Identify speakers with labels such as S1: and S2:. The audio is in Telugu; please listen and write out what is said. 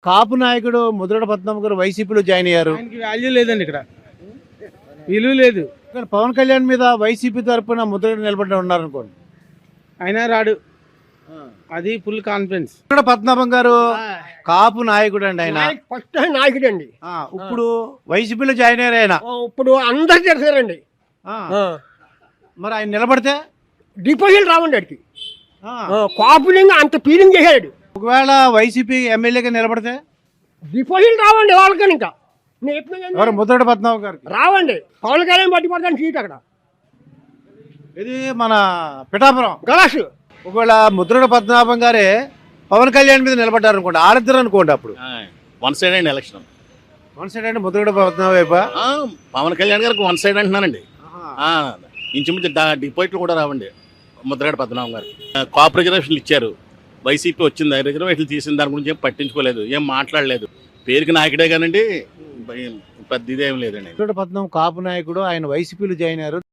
S1: కాపు నాయకుడు ముద్రగడ పద్మనాభం గారు వైసీపీలో జాయిన్ అయ్యారు.
S2: ఆయనకి వాల్యూ లేదండి, ఇక్కడ విలువ లేదు.
S1: ఇక్కడ పవన్ కళ్యాణ్ మీద వైసీపీ తరఫున ముద్రగడ నిలబడి ఉన్నారు అనుకోండి,
S2: అయినా రాడు. అది ఫుల్ కాన్ఫిడెన్స్.
S1: ముద్రగడ పద్మనాభం గారు కాపు నాయకుడు అండి. ఆయన
S3: ఫస్ట్ నాయకుడు అండి.
S1: ఇప్పుడు వైసీపీలో జాయిన్ అయ్యారు ఆయన.
S3: ఇప్పుడు అందరు చేశారండి.
S1: మరి ఆయన నిలబడితే
S3: డిపాజిట్ రావండి వాడికి. కాపులింగ్ అంత ఫీలింగ్ చేశాడు.
S1: ఒకవేళ వైసీపీ ఎమ్మెల్యేగా నిలబడితే
S3: డిపాజిట్ రావండి వాళ్ళకని. ఇంకా
S1: ఎవరు ముద్రగడ పద్మనాభం గారికి
S3: రావండి. పవన్ కళ్యాణ్ బట్టి పడతాను సీట్ అక్కడ.
S1: ఇది మన పిఠాపురం
S3: గలాసు.
S1: ఒకవేళ ముద్రగడ పద్మనాభం గారే పవన్ కళ్యాణ్ మీద నిలబడ్డారు అనుకోండి, ఆరిద్దరు అనుకోండి, అప్పుడు
S4: వన్ సైడ్ అండి ఎలక్షన్.
S1: వన్ సైడ్ అంటే ముద్రగడ పద్మనాభం వైపా?
S4: పవన్ కళ్యాణ్ గారికి వన్ సైడ్ అంటున్నానండి. ఇంచుమించు డిపాజిట్లు కూడా రావండి ముద్రగడ పద్మనాభం గారికి. కాప్ రిజర్వేషన్లు ఇచ్చారు, వైసీపీ వచ్చింది, రిజర్వేషన్లు తీసిన దాని గురించి ఏం పట్టించుకోలేదు, ఏం మాట్లాడలేదు. పేరుకి నాయకుడే కానండి, పెద్ద ఇదేం లేదండి.
S1: ముద్రగడ పద్మనాభం కాపు నాయకుడు, ఆయన వైసీపీలో జాయిన్ అయ్యారు.